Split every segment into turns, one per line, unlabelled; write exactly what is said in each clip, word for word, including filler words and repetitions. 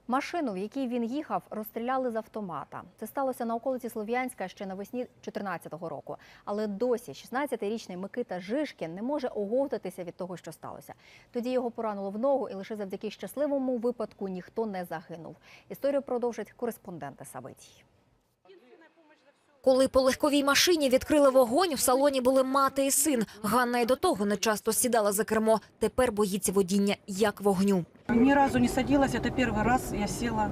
Машину, в якій він їхав, розстріляли з автомата. Це сталося на околиці Слов'янська ще навесні дві тисячі чотирнадцятого року. Але досі шістнадцятирічний Микита Жишкін не може оговтатися від того, що сталося. Тоді його поранило в ногу, і лише завдяки щасливому випадку ніхто не загинув. Історію продовжать кореспонденти Сабитій.
Коли по легковій машині відкрили вогонь, в салоні були мати і син. Ганна й до того не часто сідала за кермо. Тепер боїться водіння як вогню.
Ни разу не садилась, это первый раз я села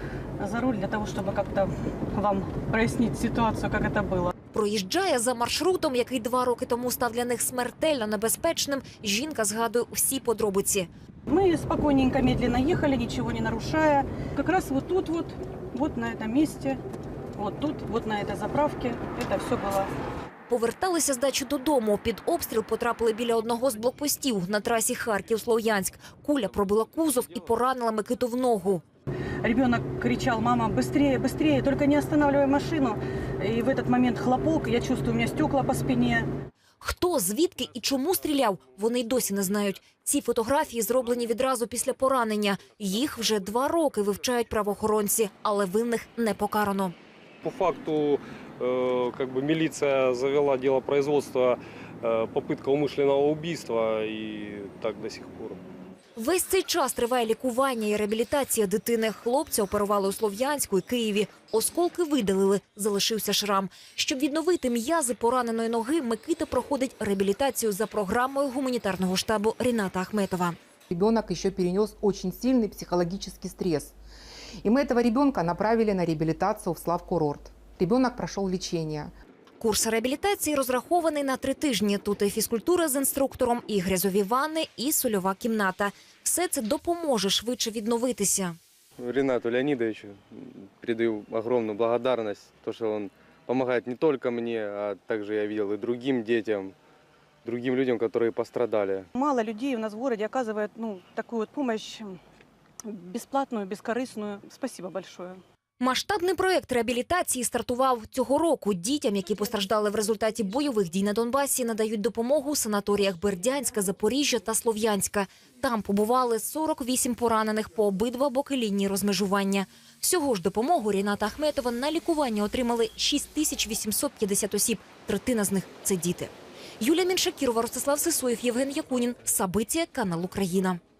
за руль для того, чтобы как-то вам прояснить ситуацию, как это было.
Проїжджає за маршрутом, який два роки тому став для них смертельно небезпечним. Жінка згадує всі подробиці.
Мы спокойненько, медленно ехали, ничего не нарушая. Как раз вот тут вот, вот на этом месте, вот тут, вот на этой заправке, это все было.
Поверталися з дачі додому. Під обстріл потрапили біля одного з блокпостів на трасі Харків-Слов'янськ. Куля пробила кузов і поранила Микиту в ногу.
Ребенок кричал: мама, быстрее, быстрее, только не останавливай машину. И в этот момент хлопок, я чувствую, у меня стекла по спине.
Хто, звідки і чому стріляв, вони й досі не знають. Ці фотографії зроблені відразу після поранення. Їх вже два роки вивчають правоохоронці, але винних не покарано.
По факту э, как бы милиция завела дело производства, э, попытка умышленного убийства, и так до сих пор.
Весь цей час триває лікування і реабілітація дитини. Хлопця оперували у Слов'янську і Києві. Осколки видалили, залишився шрам. Щоб відновити м'язи пораненої ноги, Микита проходить реабілітацію за програмою гуманітарного штабу Ріната Ахметова.
Ребенок еще перенес очень сильный психологический стресс. И мы этого ребенка направили на реабилитацию в Славкурорт. Ребенок прошел лечение.
Курс реабілітації розрахований на три тижні. Тут і фізкультура з інструктором, і грязові ванни, і сольова кімната. Все це допоможе швидше відновитися.
Ринату Леонидовичу передаю огромную благодарность, то, что он помогает не только мне, а также я видел и другим детям, другим людям, которые пострадали.
Мало людей у нас в городе оказывает ну, такую вот помощь бесплатную, бескорыстную. Спасибо большое.
Масштабний проєкт реабілітації стартував цього року. Дітям, які постраждали в результаті бойових дій на Донбасі, надають допомогу у санаторіях Бердянська, Запоріжжя та Слов'янська. Там побували сорок вісім поранених по обидва боки лінії розмежування. Всього ж допомогу Ріната Ахметова на лікування отримали шість тисяч вісімсот п'ятдесят осіб. Третина з них – це діти. Юлія Міншакірова, Ростислав Сисоєв, Євген Якунін. Сабиття, канал Україна.